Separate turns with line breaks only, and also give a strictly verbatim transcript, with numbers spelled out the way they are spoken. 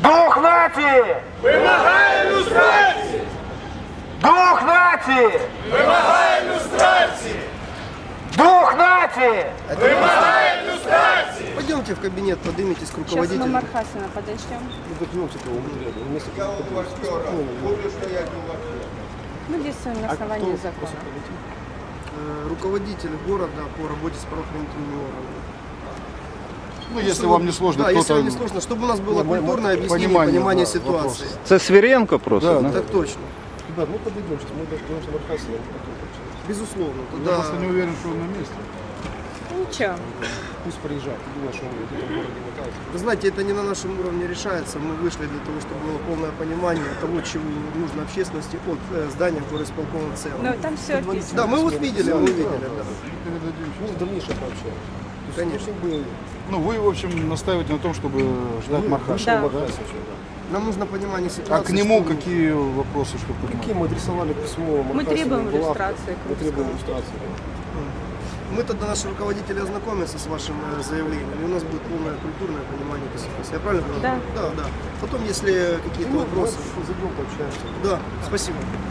Дух нації!
Вимагає люстрації!
Дух нації!
Вимагає люстрації!
Дух нації!
Вимагає люстрації!
Пойдемте в кабинет, поднимитесь к
Сейчас мы
руководителю.
Мархасина подождем. Мы действуем на основании закона.
Э, Руководитель города по работе с правоохранительными органами.
Ну, если вам не сложно,
Да, если
кто-то...
вам не сложно, чтобы у нас было
Ну, мы-
культурное объяснение,
понимание,
понимание
да,
ситуации.
Це Свиренко просто,
Да,
да?
Так точно.
Ребят, мы подойдем сейчас, мы дождем Мархасина.
Безусловно.
Я
Тогда
просто не уверен, что он на месте.
Ничего.
Пусть приезжает. Ты думаешь, что он где-то в городе мотается?
вы знаете, это не на нашем уровне решается. Мы вышли для того, чтобы было полное понимание того, чего нужно общественности от э, здания горосполкома в целом.
Но там все описано.
Да, мы вот видели, мы видели, да.
Передадим.
Ну, в дальнейшем пообщаемся. То есть,
Конечно.
ну, чтобы
Ну, вы, в общем, настаиваете на том, чтобы ждать Мархаша.
Да.
Мархас еще, да.
Нам нужно понимание
А
ситуации.
к нему
что-
какие вопросы, чтобы
Какие
понимать?
мы адресовали письмо Мархасину,
требуем
Булавко.
иллюстрации
Мы требуем иллюстрации.
Мы тогда наши руководители ознакомятся с вашим э, заявлением, и у нас будет полное культурное понимание этой ситуации. Я правильно говорю?
Да.
Да, да. Потом, если какие-то
Ну,
вопросы...
мы зайдем, пообщаемся.
Да, спасибо.